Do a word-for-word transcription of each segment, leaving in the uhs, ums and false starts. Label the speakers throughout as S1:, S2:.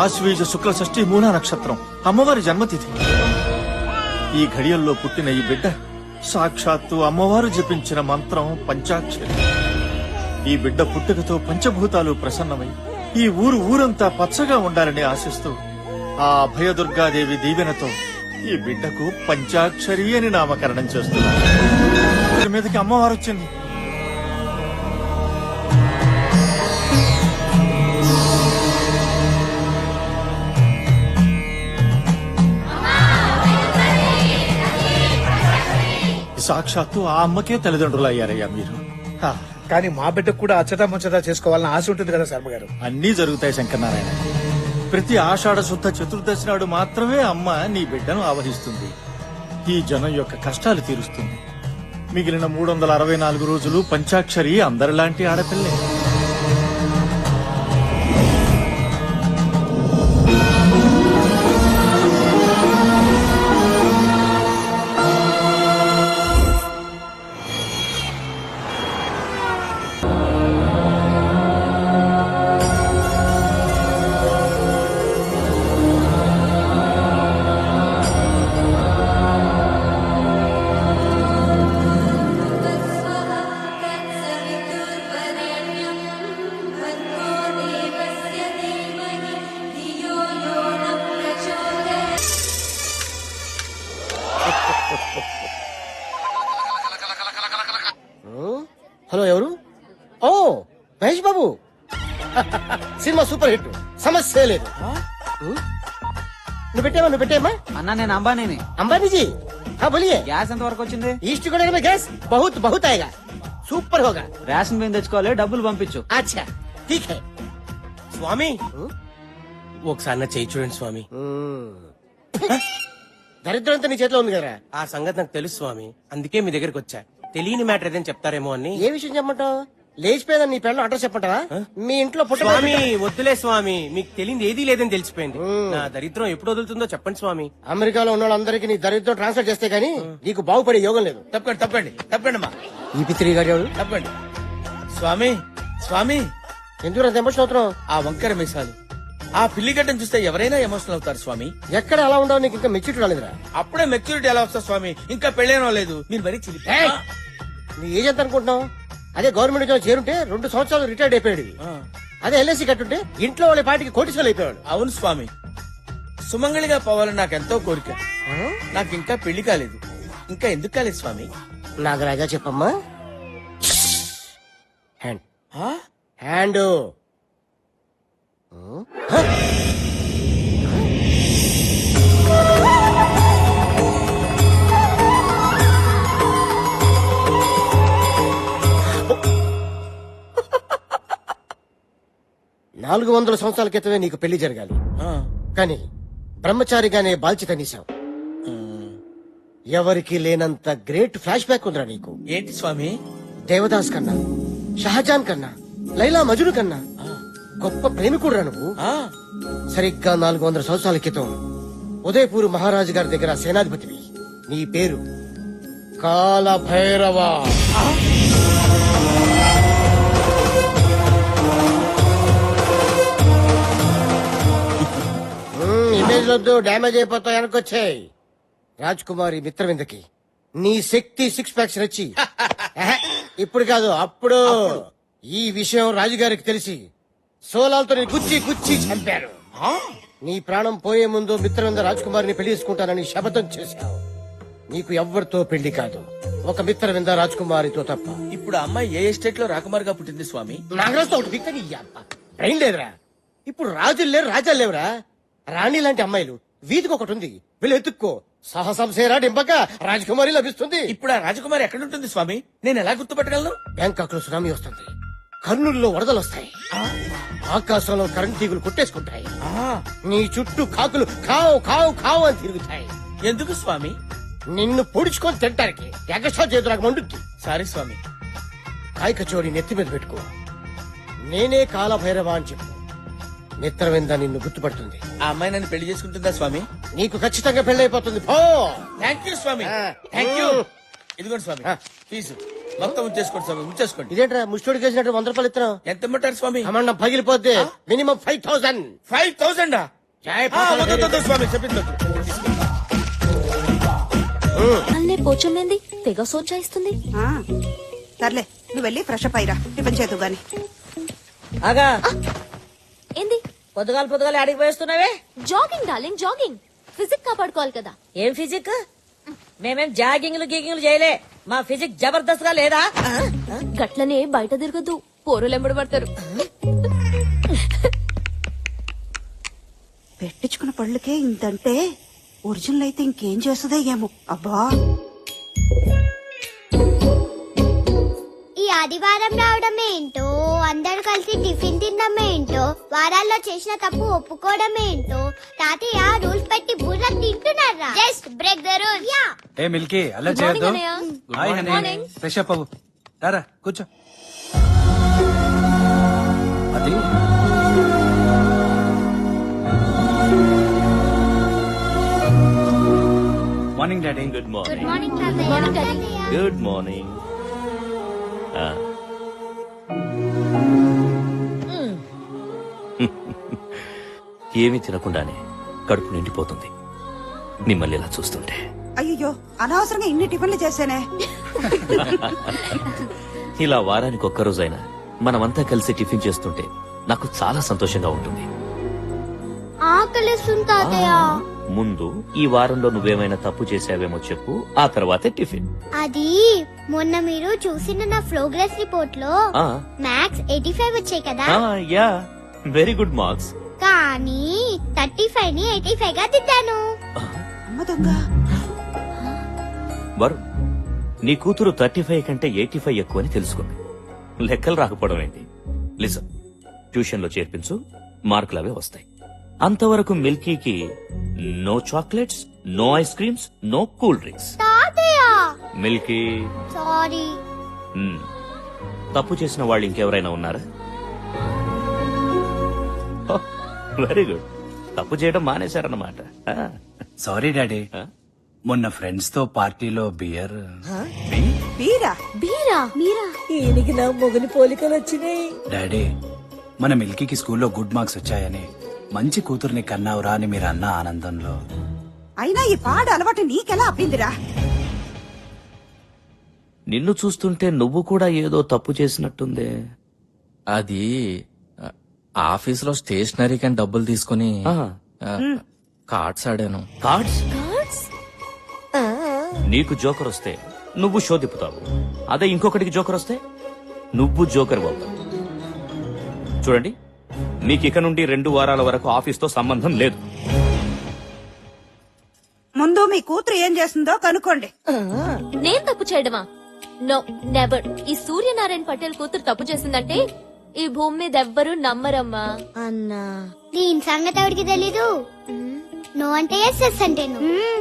S1: ఆశ్వీజ శుక్ల షష్ఠి మూలా నక్షత్రం అమ్మవారి జన్మతిథి. ఈ ఘడియల్లో పుట్టిన ఈ బిడ్డ సాక్షాత్తు అమ్మవారు జపించిన మంత్రం పంచాక్షరి. ఈ బిడ్డ పుట్టుకతో పంచభూతాలు ప్రసన్నమై ఈ ఊరు ఊరంతా పచ్చగా ఉండాలని ఆశిస్తూ ఆ అభయదుర్గాదేవి దీవెనతో ఈ బిడ్డకు పంచాక్షరి అని నామకరణం చేస్తున్నారు. మీదకి అమ్మవారు వచ్చింది. సాక్షాత్తు ఆ అమ్మకే తల్లిదండ్రులు అయ్యారయ్యా మీరు.
S2: కానీ మా బిడ్డకు కూడా అచ్చతా ముచ్చతా చేసుకోవాలని ఆశ ఉంటుంది కదా శర్మ గారు.
S1: అన్నీ జరుగుతాయి శంకరనారాయణ. ప్రతి ఆషాఢ శుద్ధ చతుర్దశి నాడు మాత్రమే అమ్మ నీ బిడ్డను ఆవహిస్తుంది. ఈ జనం యొక్క కష్టాలు తీరుస్తుంది. మిగిలిన మూడు వందల అరవై నాలుగు రోజులు పంచాక్షరి అందరిలాంటి ఆడపిల్లే.
S3: హలో, ఎవరు? ఓ Mahesh Babu. Cinema super hit, సమస్య లేదు. నువ్వు పెట్టావా? నువ్వు పెట్టామా?
S4: అన్నా నేను అంబానీని.
S3: अंबानी जी, हाँ बोलिए.
S4: గ్యాస్ ఎంత వరకు వచ్చింది?
S3: ईस्ट कोने में गैस बहुत बहुत आएगा, సూపర్ होगा.
S4: రేషన్ బియ్యం తెచ్చుకోవాలి, డబ్బులు పంపించు.
S3: अच्छा ठीक है.
S5: స్వామి ఒకసారి నా చేయి చూడండి స్వామి.
S3: దరిద్రంతో నీ చేతిలో ఉంది కదా.
S5: ఆ సంగతి నాకు తెలుసు స్వామి, అందుకే మీ దగ్గరకు వచ్చా. తెలియని మ్యాటర్ ఏదైనా చెప్తారేమో అని.
S3: ఏ విషయం చెప్పమంటావు? లేచిపోయేదని నీ పెళ్ళం అడ్రస్ చెప్పంటావా? మీ ఇంట్లో పుట్ట
S5: స్వామి వద్దులే స్వామి, మీకు తెలియదు ఏదీ లేదని తెలిసిపోయింది. నా దరిద్రం ఎప్పుడు వదులుతుందో చెప్పండి స్వామి.
S3: అమెరికాలో ఉన్న వాళ్ళందరికీ నీ దరిద్రం ట్రాన్స్ఫర్ చేస్తే గానీ నీకు బాగుపడే యోగం లేదు.
S6: తప్పండి తప్పండి తప్పండి అమ్మా,
S3: ఈ పిత్రి గారు ఎవరు?
S6: తప్పండి. స్వామి స్వామి
S3: ఎందుకు అంత ఎమోషన్ అవుతున్నావు?
S6: ఆ వంకర మీసాలు, ఆ పిల్లిగడ్డను చూస్తే ఎవరైనా ఎమోషనల్ అవుతారు స్వామి.
S3: ఎక్కడ అలా ఉండవు? నీకు ఇంకా మెచ్యూరిటీ రాలేదురా.
S6: అప్పుడే మెచ్యూరిటీ ఎలా వస్తా స్వామి? ఇంకా పెళ్ళేనో లేదు. మీరు మరీ చిలి.
S3: ఏయ్! నీ ఏజ్ ఎంత అనుకుంటున్నావు? అదే గవర్నమెంట్ ఉద్యోగం చేరుంటే రెండు సంవత్సరాలు రిటైర్డ్ అయిపోయాడు. అదే ఎల్ఐసి కట్టుంటే ఇంట్లో వాళ్ళ పాటికి కోటీశ్వరులు అయిపోయాడు.
S6: అవును స్వామి, సుమంగళిగా పోవాలని నాకు ఎంతో కోరిక. నాకు ఇంకా పెళ్లి కాలేదు. ఇంకా ఎందుకు కాలేదు స్వామి?
S3: నాగరాజా చెప్పమ్మా. హ్యాండ్
S6: ఆ?
S3: హ్యాండ్ నాలుగు వందల సంవత్సరాల క్రితమే నీకు పెళ్లి జరగాలి,
S6: ఆ.
S3: కానీ బ్రహ్మచారిగానే బాల్చి తన్నేశావు. ఎవరికి లేనంత గ్రేట్ ఫ్లాష్ బ్యాక్ ఉందిరా నీకు.
S6: ఏంటి స్వామి?
S3: దేవదాస్ కన్నా, షహజాన్ కన్నా, లైలా మజును కన్నా గొప్ప ప్రేమికుడురా నువ్వు.
S6: ఆ.
S3: సరిగ్గా నాలుగు వందల సంవత్సరాల క్రితం ఉదయపూర్ మహారాజు గారి దగ్గర సేనాధిపతివి. నీ పేరు కాల భైరవ. ఇమేజ్ వద్దు, డ్యామేజ్ అయిపోతావు. వెనకొచ్చాయి. రాజ్ కుమారి మిత్రవిందకి నీ శక్తి సిక్స్ ప్యాక్స్ నచ్చి ఇప్పుడు కాదు అప్పుడు ఈ విషయం రాజుగారికి తెలిసి సోలాలతో నీ గుచ్చి గుచ్చి చంపారు. నీ ప్రాణం పోయే ముందు మిత్రవింద రాజకుమారిని పెళ్లి చేసుకుంటానని శపథం చేశావు. నీకు ఎవ్వరితో పెళ్లి కాదు, ఒక మిత్రవింద రాజకుమారితో తప్ప.
S6: ఇప్పుడు అమ్మాయి ఏ ఎస్టేట్ లో రాకుమారిగా పుట్టింది స్వామి?
S3: నాగరాజుతో ఒకటి దిక్కు నీ అబ్బ. బ్రెయిన్ లేదురా. ఇప్పుడు రాజులు లేరు, రాజాలు లేవురా. రాణి లాంటి అమ్మాయిలు వీధికి ఒకటి ఉంది, వీళ్ళు ఎత్తుక్కో. సాహసం సేరా డింపక రాజకుమారి లభిస్తుంది.
S6: ఇప్పుడు ఆ రాజకుమారి ఎక్కడుంటుంది స్వామి? నేను ఎలా గుర్తుపట్టగలను?
S3: బ్యాంకాక్ లో సునామీ వస్తుంది, కర్నూలులో వరదలు వస్తాయి, ఆకాశంలో కరెంట్ తీగులు కొట్టేసుకుంటాయి, నీ చుట్టూ కాకులు కావు కావు కావు అని తిరుగుతాయి.
S6: ఎందుకు స్వామి?
S3: నిన్ను పొడుచుకొని తింటానికి. ఎగస్ట్రా చేతు నాకు మండుద్ది.
S6: సారీ స్వామి.
S3: కాయ కచోడి నెత్తి మీద పెట్టుకో. నేనే కాలభైరవ అని చెప్పు. మిత్రవింద నిన్ను గుర్తుపడుతుంది.
S6: ఆ అమ్మాయి నన్ను పెళ్లి చేసుకుంటుందా స్వామి?
S3: నీకు ఖచ్చితంగా పెళ్ళైపోతుంది. పో.
S6: థ్యాంక్ యూ స్వామి, థ్యాంక్ యూ. ఇదిగోండి స్వామి ఫీజు మొత్తం ఉంచేసుకోండి స్వామి, ఉంచేసుకోండి.
S3: ఇదేంట్రా ముష్టోడికి వేసినట్టు వంద రూపాయలు ఇస్తున్నావు?
S6: ఎంత ఇమ్మంటారు స్వామి?
S3: అమన్నా పగిలిపోద్ది. Minimum five thousand.
S6: Five thousand ఆ, వద్దు, వద్దు, వద్దు, స్వామి చెప్పింది వద్దు.
S7: అల్లే పోచమ్మేంది తెగ సోచాయిస్తుంది.
S8: ఆ, సర్లే నువ్వు వెళ్ళి ఫ్రెష్ అప్ అయ్యిరా టిఫిన్ చేద్దు గాని.
S9: ఆగా
S7: ఏంది
S9: పొద్దుగాలు పొద్దుగాలు అడిగి పోయిస్తున్నావే.
S7: Jogging darling jogging. ఫిజిక్ కాపాడుకోవాలి కదా.
S9: ఏం ఫిజిక్? మేమేం జాగింగ్లు గీగింగ్లు చేయలే. మా ఫిజిక్ జబర్దస్త్ గా లేదా?
S7: గట్లనే బయట తిరగద్దు, పోరులు ఎంబడి పడతారు.
S8: పెట్టించుకున్న పళ్ళకే ఇంతంటే ఒరిజినల్ అయితే ఇంకేం చేస్తుందో ఏమో. అబ్బా
S10: ఈ ఆదివారం రావడం ఏంటో, అందరు కలిసి టిఫిన్ తినడం ఏంటో, వారాల్లో చేసిన తప్పు ఒప్పుకోవడం ఏంటో, తాతయ్య రూల్స్ పెట్టి బుర్ర తింటున్నారా? Just break the rule. Yeah
S11: ఏ మిల్కీ అలా
S7: Good morning,
S11: చేయొద్దు.
S7: అన్నయ్య.
S11: Hi
S7: Good
S11: honey.
S7: morning.
S11: Fresh up అవ్వు. రారా కూర్చో. అది morning daddy. Good
S10: good morning తాతయ్య.
S7: Morning daddy.
S12: Good morning. ఏమీ తినకుండానే కడుపు నిండిపోతుంది మిమ్మల్ని ఇలా చూస్తుంటే.
S8: అయ్యో అనవసరంగా ఇన్ని టిఫిన్లు చేశానే.
S12: ఇలా వారానికి ఒక్కరోజైనా మనమంతా కలిసి టిఫిన్ చేస్తుంటే నాకు చాలా సంతోషంగా ఉంటుంది.
S10: ఆకలిస్తుంది తాతయ్య.
S12: ముందు ఈ వారంలో నువ్వేమైనా తప్పు చేసావేమో చెప్పు, ఆ తర్వాతే టిఫిన్.
S10: అది మొన్న మీరు చూసిన నా ప్రోగ్రెస్ రిపోర్ట్ లో
S12: ఆ,
S10: మ్యాథ్స్ ఎయిటీ ఫైవ్ వచ్చాయి కదా,
S12: ఆ, యా వెరీ గుడ్ మార్క్స్.
S10: కానీ థర్టీ ఫైవ్ ని ఎయిటీ ఫైవ్ గా దిద్దాను.
S8: అమ్మ దొంగ.
S12: వరుణ్, నీ కూతురు థర్టీ ఫైవ్ కంటే ఎయిటీ ఫైవ్ ఎక్కువ అని తెలుసుకుంది. లెక్కలు రాకపోవడం ఏంటి? లిసన్, ట్యూషన్ లో చేర్పించు, మార్కులు అవే వస్తాయి. అంతవరకు మిల్కీకి no chocolates, no ice creams, no cool drinks.
S10: తాతయ్య
S12: మిల్కీ,
S10: సారీ.
S12: మ్, తప్పు చేసిన వాళ్ళు ఇంకెవరైనా ఉన్నారా? వెరీ గుడ్, తప్పు చేయడం మానేశారన్నమాట. ఆ,
S11: సారీ డాడీ.
S12: ఆ?
S11: మొన్న ఫ్రెండ్స్ తో పార్టీలో బియర్.
S8: బీరా
S7: బీరా
S10: మీరా
S9: ఈయనకి నా మొగలి పోలికలు వచ్చినాయి.
S11: డాడీ, మన మిల్కీకి స్కూల్లో గుడ్ మార్క్స్ వచ్చాయని మంచి కూతుర్ని కన్నావురా అని మీరు అన్న ఆనందంలో.
S8: అయినా ఈ పాడు అలవాటు నీకెలా అబ్బిందిరా?
S12: నిన్ను చూస్తుంటే నువ్వు కూడా ఏదో తప్పు చేసినట్టుందే.
S13: అది ఆ, ఆఫీసులో స్టేషనరీ కానీ డబ్బులు తీసుకుని
S12: ఆ,
S13: ఆ, కార్డ్స్ ఆడాను.
S12: కార్డ్స్?
S7: కార్డ్స్.
S12: నీకు జోకర్ వస్తే నువ్వు షో తిప్పుతావు, అదే ఇంకొకటికి జోకర్ వస్తే నువ్వు జోకర్ అవుతావు. చూడండి, మీకు ఇక నుండి రెండు వారాల వరకు ఆఫీస్ తో సంబంధం లేదు.
S8: ముందు మీ కూతురు ఏం చేస్తుందో కనుక్కోండి.
S7: నేను తప్పు చేయడమా? No never. ఈ సూర్యనారాయణ పటేల్ కూతురు తప్పు చేసిందంటే ఈ భూమి మీద ఎవ్వరూ నమ్మరమ్మా.
S10: అన్నా దీని సంగతి ఎవరికి తెలీదు. నో అంటే ఎస్, ఎస్ అంటే నో.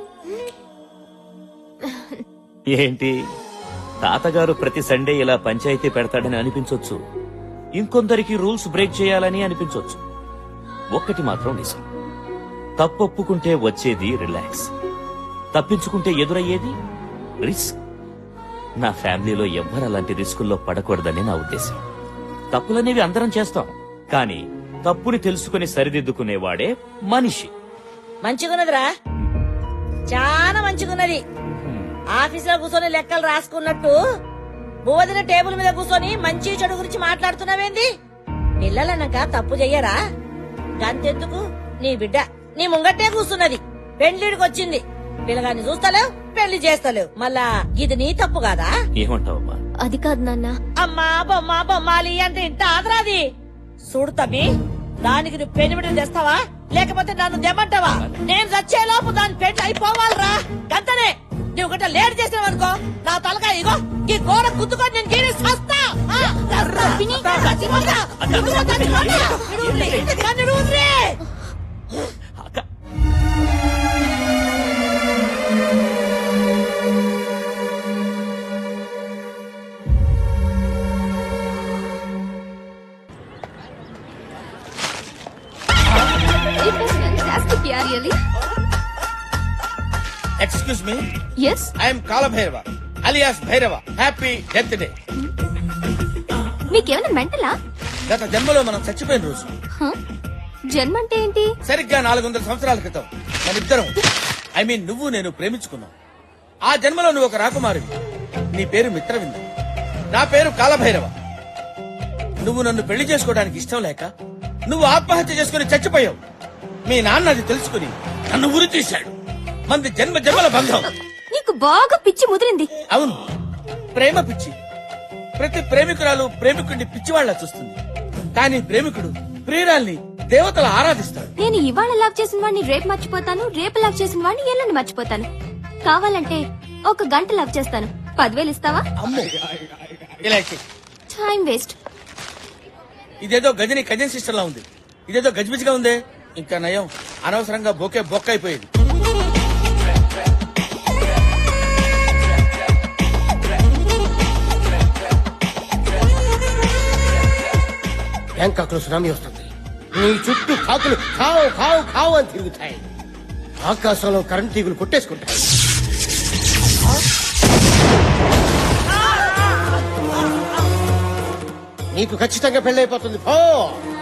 S12: ఏంటి, తాతగారు ప్రతి సండే ఇలా పంచాయతీ పెడతాడని అనిపించొచ్చు, ఇంకొందరికి రూల్స్ బ్రేక్ చేయాలని అనిపించొచ్చు. ఒక్కటి మాత్రం నిజం, తప్పొప్పుకుంటే వచ్చేది రిలాక్స్, తప్పించుకుంటే ఎదురయ్యేది రిస్క్. నా ఫ్యామిలీలో ఎవ్వరు అలాంటి రిస్కుల్లో పడకూడదని నా ఉద్దేశం. తప్పులనేవి అందరం చేస్తాం, కానీ తప్పుని తెలుసుకుని సరిదిద్దుకునేవాడే మనిషి.
S9: మంచిగున్నదిరా, చాలా మంచిగున్నది. ఆఫీస్ లో కూర్చొని లెక్కలు రాసుకున్నట్టు బోధిన టేబుల్ మీద కూర్చొని మంచి చెడు గురించి మాట్లాడుతున్నావేంది? పిల్లలన్నాక తప్పు చెయ్యరా? గంతెందుకు, నీ బిడ్డ నీ ముంగట్టే కూర్చున్నది, పెళ్లిడికి వచ్చింది, పిల్లగాన్ని చూస్తలేవు, పెళ్లి చేస్తలేవు, మళ్ళా ఇది నీ తప్పు కాదా?
S12: ఏమంటావమ్మా?
S7: అది కాదు నాన్న.
S9: అమ్మా బొమ్మ బొమ్మాలి అంటే ఇంత ఆదరాది. చూడు తమ్మి, దానికి నువ్వు పెనిమిడిని తెస్తావా లేకపోతే నన్ను దెమ్మంటావా? నేను చచ్చేలోపు దాని పెళ్లి అయిపోవాలరా, గంతనే. నువ్వు గట్ట లేట్ చేసినావనుకో నా తలకాయ ఇగో ఈ గోడ గుద్దుకొని నేను గీరి సస్తా. ఆ, సస్తా. చచ్చిపోతా. చచ్చిపోతా, చచ్చిపోతా. విడుదలే, నన్ను విడుదలే.
S12: అక్క,
S7: It was fantastic, yeah, really.
S6: Excuse me,
S7: Yes.
S6: I'm Kalabhairava alias Bhairava. Happy death day.
S7: మీకేమైనా మెంటలా?
S6: గత జన్మలో మనం చచ్చిపోయిన రోజు
S7: జన్మ అంటే ఏంటి?
S6: సరిగ్గా నాలుగు వందల సంవత్సరాల క్రితం మన ఇద్దరం ఐ మీన్ నువ్వు నేను ప్రేమించుకున్నావు. ఆ జన్మలో నువ్వు ఒక రాకుమారివి. నీ పేరు మిత్రవింద, నా పేరు కాలభైరవ. నువ్వు నన్ను పెళ్లి చేసుకోవడానికి ఇష్టం లేక నువ్వు ఆత్మహత్య చేసుకుని చచ్చిపోయావు. మీ నాన్న అది తెలుసుకుని నన్ను ఉరి తీశాడు. మంది జన్మ జన్మల బంధం.
S7: నీకు బాగా పిచ్చి ముదిరింది.
S6: అవును, ప్రేమ పిచ్చి. ప్రతి ప్రేమికురాలు ప్రేమికుడిని పిచ్చివాళ్లా చూస్తుంది. కానీ ప్రేమికుడు ప్రియురాల్ని దేవతలు ఆరాధిస్తాడు.
S7: నేను ఇవాళ లాక్ చేసిన వాడిని రేపు మర్చిపోతాను, రేపు లాక్ చేసిన వాడిని ఎల్లుండి మర్చిపోతాను. కావాలంటే ఒక గంట లాక్ చేస్తాను. పదివేలు ఇస్తావా?
S6: అమ్మో, ఇలా చెయ్.
S7: Time waste.
S6: ఇదేదో గజని కజన్ సిస్టర్ లా ఉంది. ఇదేదో గజిబిజిగా ఉందే. ఇంకా నయం, అనవసరంగా బొకే బొక్క అయిపోయేది.
S3: బ్యాంకాక్ లో సునామీ వస్తుంది. నీ చుట్టూ కాకులు కావు కావు కావు అని తిరుగుతాయి. ఆకాశంలో కరెంట్ తీగులు కొట్టేసుకుంటాయి. నీకు ఖచ్చితంగా పెళ్ళైపోతుంది. పో